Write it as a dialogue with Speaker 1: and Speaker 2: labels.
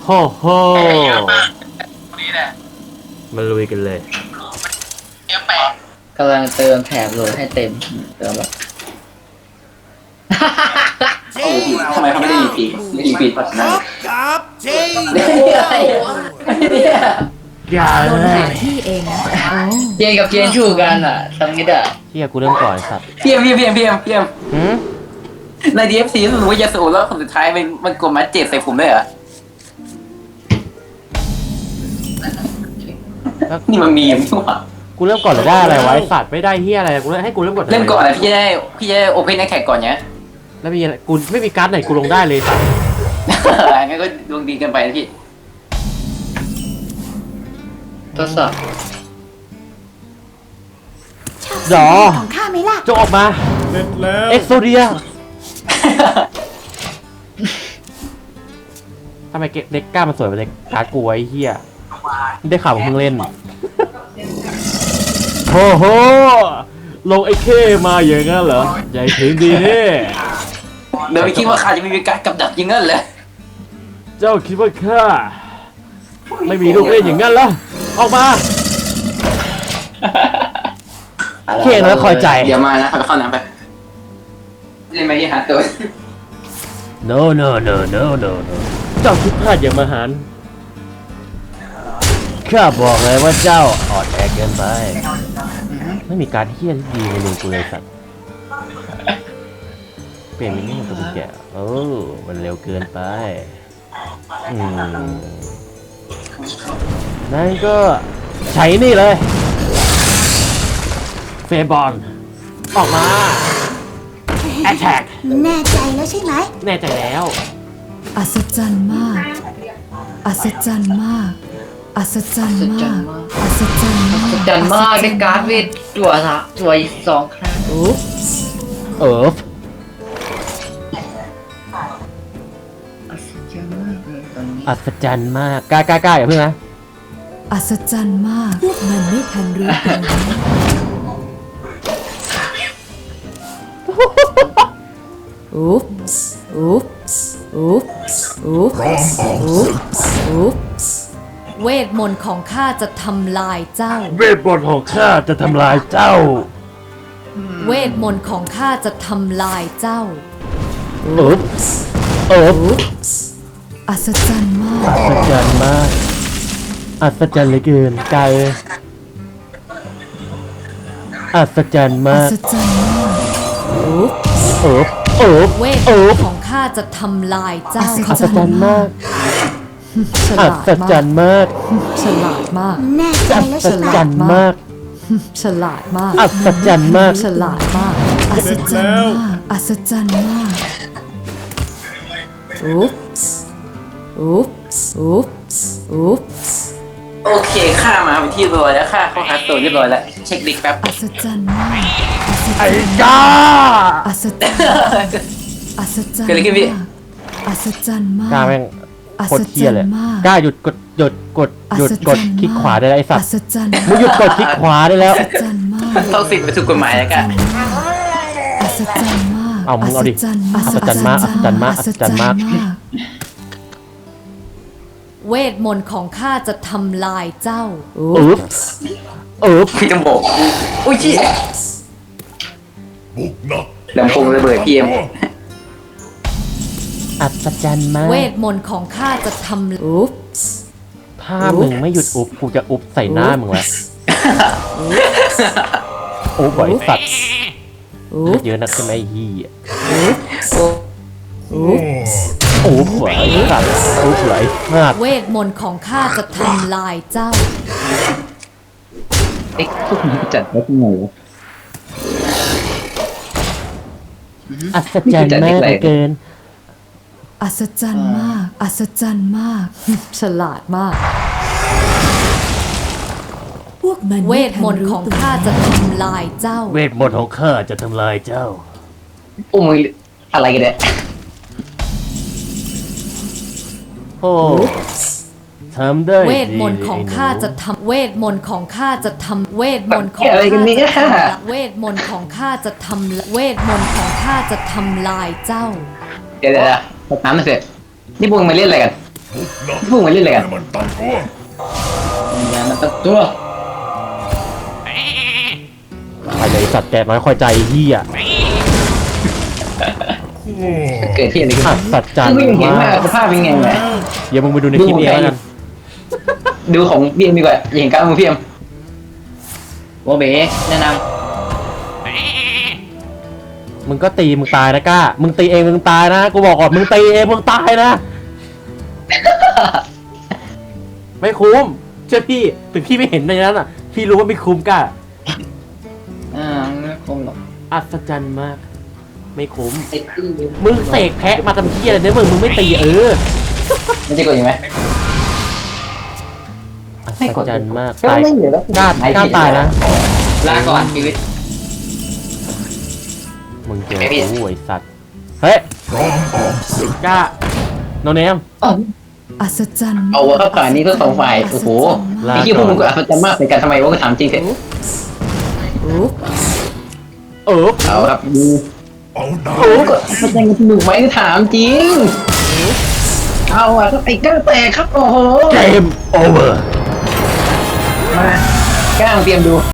Speaker 1: โฮ่โฮ่
Speaker 2: นี่แหละ
Speaker 1: มาลุยกันเลย
Speaker 2: เยี่ยมแปะ
Speaker 3: กำลังเติมแถบโหลดให้เต็มเติมแบบ
Speaker 4: โอ้โหทำไมเขาไม่ได้ยิงปีกไม่ยิงปีกเพราะฉะนั้น
Speaker 5: กับจริง
Speaker 1: อย่าเลย
Speaker 6: ที่เองนะโอ้
Speaker 3: เจนกับเจนชูกันอ่ะทำงี้อ่ะ
Speaker 1: เฮียกูเริ่มก่อนสัตว์
Speaker 4: พี่เอ็ม
Speaker 1: หืม
Speaker 4: ใน DFC รู้สึกว่ายาสูบแล้วคนสุดท้ายมันกดมาเจ็บใส่ผมด้วยเหรอนี่มันมีอย่างนี้วะ
Speaker 1: กูเริ่มก่อนหรือได้อะไรวะไอ้สัตว์ไม่ได้เฮียอะไรกูให้กูเริ่มก่อน
Speaker 4: เริ่มก่อนนะพี่จะได้โอเพนแท็กก่อนเนี้ย
Speaker 1: แล้วมีอะไรกูไม่มีการ์ดไหนกูลงได้เลยสัตว์
Speaker 4: งั้นก็ดวงดีกันไปนะพี่
Speaker 3: ทดสอบ
Speaker 1: หรอ
Speaker 6: ของข้าไหมล่ะ
Speaker 1: จงออกมา
Speaker 5: เสร็จแล้ว
Speaker 1: เอ็กโซเดียทำไมเด็กกล้ามันสวยกว่าเด็กการ์ดกูไอ้เฮียได้ข่าวว่ามึงเล่นโอ้โหลงไอ้เคมาอย่างงั้นเหรอใหญ่ถึงดีนี่
Speaker 4: เดี๋ยวไม่คิดว่าข้าจะมีการกับดักยิงนั่นเลย
Speaker 1: เจ้าคิดว่าข้าไม่มีลูกเล่นอย่างงั้นเหรอออกมาเข่งแล้วคอยใจ
Speaker 4: เดี๋ยวมานะไปเข้าน้ำไปเล่นไหมยี่หาตัว
Speaker 1: no no no no no no เจ้าคิดพลาดอย่างมหันต์ข้าบอกเลยว่าเจ้าอ่อนแอเกินไปไม่มีการเฮี้ยที่ดีในมือกูเลยสัตว์เปลี่ยนมินิมันตัวเป็นแกะโอ้มันเร็วเกินไปนั่นก็ใช้นี่เลยเฟย์บอลออกมาแอทแทก
Speaker 6: แน่ใจแล้วใช่ไหม
Speaker 1: แน่ใจแล้ว
Speaker 7: อัศจรรย์มาก อัศจรรย์มาก อัศจรรย์มาก อัศจรรย์มาก
Speaker 3: จันมากได้การ์ดเวทจั่วละจั่วอีก2 ครั้ง
Speaker 7: อุ๊บ
Speaker 1: เอิร์ฟ
Speaker 3: อัศจรรย์มากเลยตอนนี้
Speaker 1: อัศจรรย์มากกล้าอย่าเพิ่งนะ
Speaker 7: อัศจรรย์มาก มันไม่ทันรู้ตัวอุ๊บอุ๊บอุ๊บอุ๊บอุ๊บอุ๊บ
Speaker 6: เวทมนต์ของข้าจะทำลายเจ้า
Speaker 1: เวทมนต์ของข้าจะทำลายเจ้า
Speaker 6: เวทมนต์ของข้าจะทำลายเจ้า
Speaker 1: เอิร์ฟเอิร์ฟ
Speaker 7: อัศจรรย์มาก
Speaker 1: อัศจรรย์มากอัศจรรย์เหลือเกินไกลอัศจรรย์
Speaker 7: อั
Speaker 1: มาก
Speaker 7: ศจรรย์มากอุ๊บ
Speaker 1: เอิร์ฟเอิร์ฟ
Speaker 6: เวทม
Speaker 1: เอิ
Speaker 6: น
Speaker 1: ร์ฟ
Speaker 6: ต์ของข้าจะทำลายเจ้า
Speaker 1: อัศจรรย์มาก
Speaker 7: ฉ
Speaker 1: อั
Speaker 7: ลาด
Speaker 1: ศจร
Speaker 7: มาก
Speaker 1: รย์มาก
Speaker 7: ฉลาดมาก
Speaker 6: แน่ใจ
Speaker 1: อั
Speaker 6: แล้ว
Speaker 1: ศ
Speaker 6: ใช่ไหม
Speaker 1: จรรย์มาก
Speaker 7: ฉลาดมาก
Speaker 1: อัศจรรย์มาก
Speaker 7: ฉลาดมาก อัศจรรย์มาก อัศจรรย์มาก อุ๊บอุ๊บอุ๊บอุ๊บ
Speaker 4: โอเคข้ามาเป็นที่เรียบร้อยแล้วข้าเข้าหาตัวเรียบร้อยแล้วเช็คดิกแป๊บ
Speaker 7: อัศจรรย์มาก
Speaker 1: ไอ้ก้า
Speaker 7: อัศจรรย์อัศจรรย์
Speaker 4: เกิดอะไรขึ้นพี่
Speaker 7: มากอัศจรรย์มาก
Speaker 1: ก้าแม่งโคตรเที่ยเลย
Speaker 7: อัศจรรย์มาก
Speaker 1: ก้าหยุดกดคลิกขวาได้แล้วไอ้สัต
Speaker 7: อั
Speaker 1: ว์
Speaker 7: ศจรรย์
Speaker 1: มึงหยุดกดคลิกขวาได้แล้ว
Speaker 7: อัศจรรย์มาก
Speaker 4: เข้าสิทธิ์ไปถูกกฎหมายแล้วกัน
Speaker 7: อัศจรรย์มาก
Speaker 1: เอามึงเอาดิ
Speaker 7: อัศจรรย์มาก
Speaker 1: อัศจรรย์มากอัศจรรย์มาก
Speaker 6: เวทมนต์ของข้าจะทำลายเจ้า
Speaker 1: อุ๊บเอิร์ฟ
Speaker 4: พี่จมูกอุ้ยชี้
Speaker 5: บุกนัก
Speaker 4: ลำโพงระเบิดพี่เอ็ม
Speaker 1: อัศจรรย์มาก
Speaker 6: เวทมนต์ของข้าจะทำ
Speaker 7: อุ๊บ
Speaker 1: ถ้ามึงไม่หยุดอุบกูจะอุบใส่หน้ามึงแล้วอุบบ่อยสัตว์
Speaker 7: อุ๊บ
Speaker 1: เยอะนักใช่ไหมไอ้เฮีย
Speaker 7: อุ๊บ
Speaker 1: อุบไหวสัตว์อุบไหลมาก
Speaker 6: เวทมนต์ของข้าจะทำลายเจ้า
Speaker 4: เอ๊ะพวกนี้จัดได้ยังไงวะ
Speaker 1: อัศจรรย์มากเหลือเกิน
Speaker 7: อัศจรรย์มาก อัศจรรย์มาก ฉลาดมาก พวกมัน
Speaker 6: เวทมนต์ของข้าจะทำลายเจ้า
Speaker 1: เวทมนต์ของข้าจะทำลายเจ้า
Speaker 4: โอ้ยอะไรกันเนี่ย
Speaker 1: โอ้ทำได้
Speaker 6: เว
Speaker 1: ดี
Speaker 6: ทมนต์ของข้าจะทำเวทมนต์ของข้าจะทำเวทมนต์ของ
Speaker 4: อะไร
Speaker 6: ข้า
Speaker 4: กันเนี่ย
Speaker 6: จะทำเวทมนต์ของข้าจะทำเวทมนต์ของข้าจะทำลายเจ้า
Speaker 4: เดี๋ยวตบน้ำหน่อยสินี่พวกมึงมาเล่นอะไรกันพวกมันเล่นอะไรกัน
Speaker 5: มันตั้งตัว
Speaker 4: งานมันตั้งตัว
Speaker 1: ไปเลยสัตว์แกน้อยคอยใจเฮีย
Speaker 4: เกิดที่อะไรขึ้น
Speaker 1: อัศจรรย์
Speaker 4: ไม่เห็น
Speaker 1: มา
Speaker 4: ว่าก สภาพเป็นไงวะ
Speaker 1: เดี๋ยวมึงไปดูในคลิปเองแล้วกัน
Speaker 4: ดูของเบียมดีกว่าอย่าเห็นการมือเพียมโอเบแนะน
Speaker 1: มึงก็ตีมึงตายนะก้ามึงตีเองมึงตายนะกูบอกก่อนมึงตีเองมึงตายนะ ไม่คุ้มเชื่อพี่ถึงพี่ไม่เห็นในนั้นอ่ะ พี่รู้ว่าไม่คุ้มก้า
Speaker 4: ไม่คมหรอก
Speaker 1: อัศจรรย์มาก ไม่คุ้ม
Speaker 4: ไอ้ตี้
Speaker 1: มึงเสกแพะมาทำเหี้ยอะไรเนี่ยมึงไม่ตี
Speaker 4: ไม่ใช่กดยังไง
Speaker 1: อัศจรรย์มาก
Speaker 4: ก็
Speaker 1: ตาย
Speaker 4: ไม่เหลือแล้ว
Speaker 1: กล้าตายนะ
Speaker 4: ลาก่อนชีวิต
Speaker 1: มึงเจอ
Speaker 4: ไม่ผิด
Speaker 1: กูไอ้สัตว์เฮ้ย
Speaker 5: พร้อมออกศึก
Speaker 1: กล้าโนเนม
Speaker 7: อัศจรรย์
Speaker 4: เอาว่าผ่านนี้เพื่อสองฝ่ายโอ้โห
Speaker 1: ลา
Speaker 4: ไอ้ที่พวกมึงก็อัศจรรย์มากในการทำไมวะก็ถามจริงเถอะ
Speaker 7: อุ๊บ
Speaker 4: เอาครับดู
Speaker 5: เอาดา
Speaker 4: โอ้ก็อัศจรรย์กันสนุกไหมถามจริงเอาอะครับไอ้ก้างแตกครับโอ้โห
Speaker 1: เกมโอเวอร์
Speaker 4: มาก้างเตรียมดู